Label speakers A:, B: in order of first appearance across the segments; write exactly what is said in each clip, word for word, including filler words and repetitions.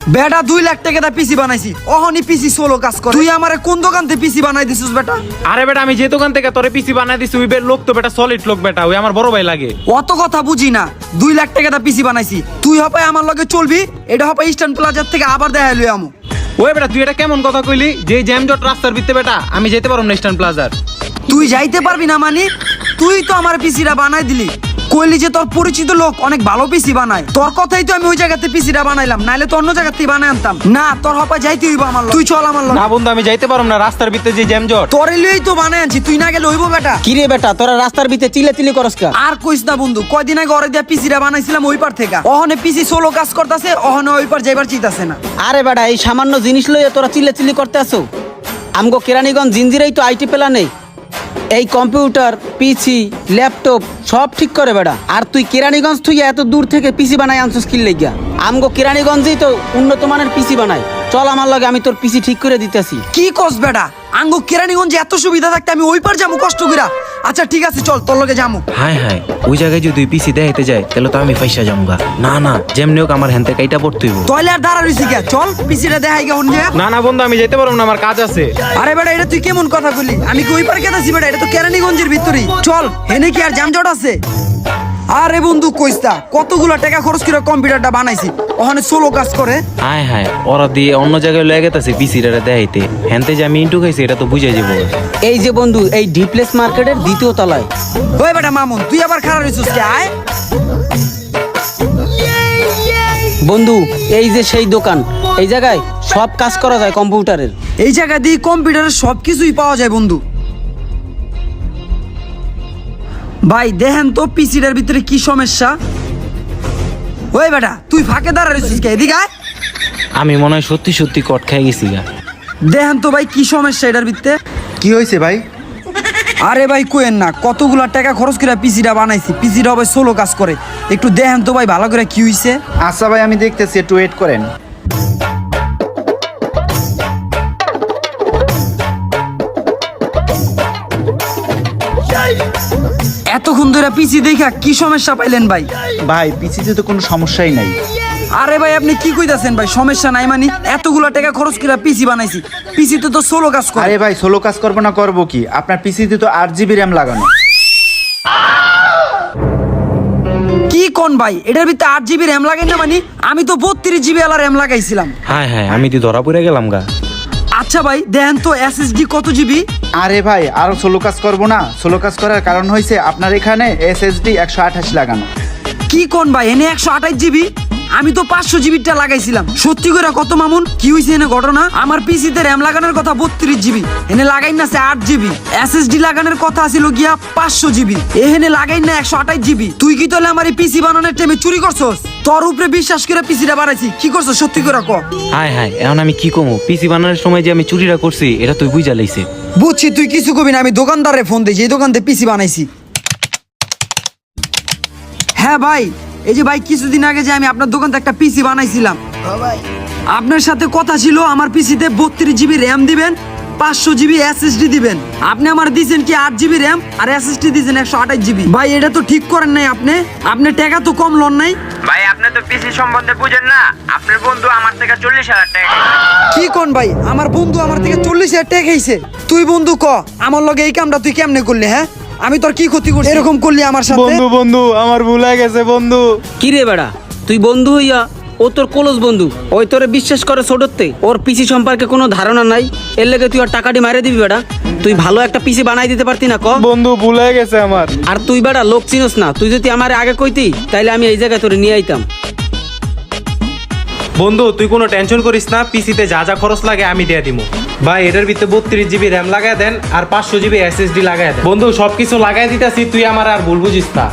A: বেটা দুই লাখ টাকা দা পিসি বানাইছি, অহনি পিসি সোলো কাজ করে। তুই আমারে কোন দোকান থেকে পিসি বানাই দিছিস বেটা?
B: আরে বেটা আমি যে দোকান থেকে তোরে পিসি বানাই দিছি ওই লোক তো বেটা সলিড লোক বেটা, ওই আমার বড় ভাই লাগে।
A: অত কথা বুঝি না, দুই লাখ টাকা দা পিসি বানাইছি। তুই হপায় আমার লগে চলবি, এটা হপায় ইস্টার্ন প্লাজার থেকে আবার দেখা লই আমু।
B: ওই বেটা তুই এটা কেমন কথা কইলি? যে জ্যাম জট রাস্তার ভিতরে বেটা আমি যেতে পারব না ইস্টার্ন প্লাজার।
A: তুই যাইতে পারবি না মানে? তুই তো আমার পিসিটা বানাই দিলি, কইলি যে তোর পরিচিত লোক অনেক ভালো পিসি বানায়। তোর কথাই তো আমি ওই জায়গাতে পিসিটা বানাইলাম, নাইলে তো অন্য জায়গাতে বানাই আনতাম না। তোর হপা যাইতে হইব আমার লগে। তুই চল আমার লগে।
B: না বন্ধু আমি যাইতে পারব না, রাস্তার ভিতরে যে জ্যাম জট।
A: তোরে লইই তো বানাই আনছি, তুই না গেলে হইব বেটা?
C: কি রে বেটা তোরা রাস্তার ভিতরে চিল্লা চিল্লি করস কা?
A: আর কইস না বন্ধু, কয়দিন আগে ওরে দিয়া পিসিটা বানাইছিলাম ওই পার থেকে। অহনে পিসি সোলো কাজ করতেছে, অহনে ওই পার যাইবার চাইতাছে না।
C: আরে বেটা এই সামান্য জিনিস লইয়ে তোরা চিল্লা চিল্লি করতে আসো? আমগো কেরানীগঞ্জ জিঞ্জিরেই তো আইটি পেলা নেই। এই কম্পিউটার পিসি ল্যাপটপ সব ঠিক করে বেটা। আর তুই কেরানীগঞ্জ তুই এত দূর থেকে পিসি বানাই আনছিস কি লাগিয়া? আমগো কেরানীগঞ্জেই তো উন্নত মানের পিসি বানাই। চল আমার লগে, আমি তোর পিসি ঠিক করে দিতেছি।
A: কি কস বেটা? আঙ্গো কেরানীগঞ্জে এত সুবিধা থাকতে আমি ওই পার যাবো কষ্ট কইরা? আচ্ছা ঠিক আছে চল, তোর লগে যামু।
D: হাই হাই ওই জায়গায় যদি পিসি দেখাইতে যায় তাহলে তো আমি পয়সা জমগা। না না যেমনি হোক আমার হ্যান্তে কাইটা পড়তে হইব।
A: তইলে আর দাঁড়া রইছি কে? চল পিসিটা দেখাই গে হন।
B: না না বন্ধু আমি যেতে পারব না, আমার কাজ আছে।
A: আরে বেটা এটা তুই কেমন কথা বললি? আমি কি ওই পার কেতাছি বেটা? এটা তো কেরানীগঞ্জের ভিতরেই। চল, হেনে কি আর যানজট আছে? আরে বন্ধু কইস্তা, কতগুলা টাকা খরচ করে কম্পিউটারটা বানাইছি, ওখানে সোলো কাজ করে।
D: হাই হাই ওরা দিয়ে অন্য জায়গায় লয়ে গেছে পিসিটা দেখাইতে, হ্যান্তে যে আমি ইন্টু খাইছি এটা তো বুঝাই যাবো।
C: এই যে বন্ধু এই ডিপ্লেস মার্কেটের দ্বিতীয় তলায়।
A: ওই বেটা মামুন তুই আবার খারাপ হইছিস কে? আয়
C: বন্ধু এই যে সেই দোকান, এই জায়গায় সব কাজ করা যায় কম্পিউটারের।
A: এই জায়গা দিয়ে কম্পিউটারের সবকিছুই পাওয়া যায় বন্ধু। ভাই দেখেন তো পিসিটার ভিতরে কি সমস্যা। ওই বেটা তুই ফাঁকে দাঁড়া রইছিস কে? এদিকে আয়।
D: আমি মনে হয় সত্যি সত্যি কট খাই গেছি গা।
A: দেখেন তো ভাই কি সমস্যা এটার ভিতরে।
E: কি হয়েছে ভাই?
A: আরে ভাই কোয়েন না, কতগুলা টাকা খরচ করে পিসিটা বানাইছি, পিসিটা হবে সোলো কাজ করে। একটু দেখেন তো ভাই ভালো করে কি হইছে।
E: আচ্ছা ভাই আমি দেখতেছি, একটু ওয়েট করেন।
A: এতক্ষণ ধরে পিসি দেখা কি সমস্যা পাইলেন ভাই?
E: ভাই পিসিতে তো কোনো সমস্যাই নাই।
A: আরে ভাই আপনি কি কইতাছেন ভাই? সমস্যা নাই মানে? এতগুলা টাকা খরচ করে পিসি বানাইছি, পিসিতে তো সোলো কাজ করে।
E: আরে ভাই সোলো কাজ করবো না করবো কি? আপনার পিসিতে তো আট জিবি র্যাম লাগানো।
A: কি কোন ভাই? এটার ভিতরে আট জিবি র্যাম লাগাই না মানে? আমি তো বত্রিশ জিবি আলা র্যাম লাগাইছিলাম।
D: হাই হাই আমি তো ধরা পড়ে গেলাম গা।
A: আচ্ছা ভাই দেখেন তো এসএসডি কত জিবি?
E: আরে ভাই আরো সোলো কাজ করবো না? সোলো কাজ করার কারণ হয়েছে আপনার এখানে এসএসডি একশো আঠাশ লাগানো।
A: কি কোন ভাই? এনে একশো আঠাশ জিবি? আমি তো পাঁচশো জিবিটা লাগাইছিলাম। সত্যি করে কত মামুন কি হয়েছে এনে ঘটনা? আমার পিসিতে র্যাম লাগানোর কথা বত্রিশ জিবি, এনে লাগাই না আট জিবি। এসএসডি লাগানোর কথা ছিল গিয়া পাঁচশো জিবি, এখানে লাগাই না একশো আঠাশ জিবি। তুই কি তাহলে আমার এই পিসি বানানোর টাইমে চুরি করছস? তোর উপরে বিশ্বাস করে পিসিটা বানাইছি, কি করছস সত্যি করে ক?
D: হাই হাই এখন আমি কি কমু? পিসি বানানোর সময় যে আমি চুরিটা করছি এটা তুই বুঝা লাইছে।
A: বুঝছি তুই কিছু কবি না, আমি দোকানদারে ফোন দিই যে দোকান থেকে পিসি বানাইছি। হ্যাঁ ভাই, এই যে ভাই কিছুদিন আগে যে আমি আপনার দোকান থেকে একটা পিসি বানাইছিলাম, আপনার সাথে কথা ছিল আমার পিসিতে বত্রিশ জিবি র্যাম দিবেন, পাঁচশো জিবি এসএসডি দিবেন। আপনি আমার দিয়েছেন কি আট জিবি র্যাম আর এসএসডি দিয়েছেন একশো আঠাশ জিবি। ভাই এটা তো ঠিক করেন নাই আপনি, আপনি টাকা তো কম লন নাই।
F: ভাই আপনি তো পিসি সম্বন্ধে বুঝেন না। আপনার বন্ধু আমার থেকে চল্লিশ হাজার টাকা।
A: কি কোন ভাই? আমার বন্ধু আমার থেকে চল্লিশ হাজার টাকা খাইছে? তুই বন্ধু ক আমার লগে এই কামটা তুই কেমনে করলি? হ্যাঁ আমি তোর কি ক্ষতি করছি এরকম করলি আমার সাথে?
B: বন্ধু বন্ধু আমার ভুল হয়ে গেছে বন্ধু।
C: কি রে বেড়া তুই বন্ধু হইয়া ও তোর ক্লোজ বন্ধু, ওই তোরে বিশ্বাস করে ছোটতে, ওর পিসি সম্পর্কে কোনো ধারণা নাই, এর লেগে তুই আর টাকাটি মারে দিবি বেড়া? তুই ভালো একটা পিসি বানাই দিতে পারতি না ক?
B: বন্ধু ভুল হয়ে গেছে আমার।
C: আর তুই বেড়া লোক চিনস না, তুই যদি আমার আগে কইতি তাইলে আমি এই জায়গায় তোরে নিয়ে আইতাম।
B: বন্ধু তুই কোনো টেনশন করিস না, পিসিতে যা যা খরচ লাগে আমি দিয়ে দিব। ভাই এটার ভিতরে বত্রিশ জিবি র্যাম লাগাই দেন আর পাঁচশো জিবি এসএসডি লাগাই দেন। বন্ধু সবকিছু লাগাই দিতেছি, তুই আমার আর ভুল বুঝিস না।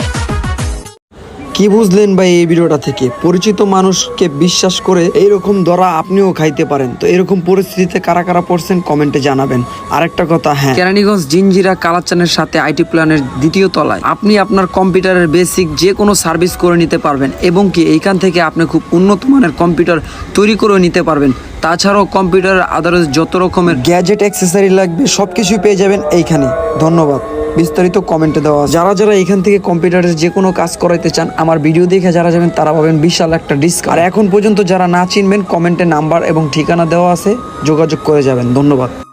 A: কি বুঝলেন ভাই এই ভিডিওটা থেকে? পরিচিত মানুষকে বিশ্বাস করে এইরকম ধরা আপনিও খাইতে পারেন। তো এরকম পরিস্থিতিতে কারা কারা পড়ছেন কমেন্টে জানাবেন। আরেকটা কথা, হ্যাঁ কেরানীগঞ্জ জিঞ্জিরা কালাচানের সাথে আইটি প্ল্যানের দ্বিতীয় তলায় আপনি আপনার কম্পিউটারের বেসিক যে কোনো সার্ভিস করে নিতে পারবেন এবং কি এইখান থেকে আপনি খুব উন্নত মানের কম্পিউটার তৈরি করে নিতে পারবেন। তাছাড়াও কম্পিউটারের আদারস যত রকমের গ্যাজেট অ্যাক্সেসরি লাগবে সবকিছু পেয়ে যাবেন এইখানে। ধন্যবাদ। বিস্তারিত কমেন্টে দেওয়া আছে। যারা যারা এখান থেকে কম্পিউটারের যে কোনো কাজ করাইতে চান আমার ভিডিও দেখে যারা যাবেন তারা পাবেন বিশাল একটা ডিসকাউন্ট। আর এখন পর্যন্ত যারা না চিনবেন কমেন্টে নাম্বার এবং ঠিকানা দেওয়া আছে, যোগাযোগ করে যাবেন। ধন্যবাদ।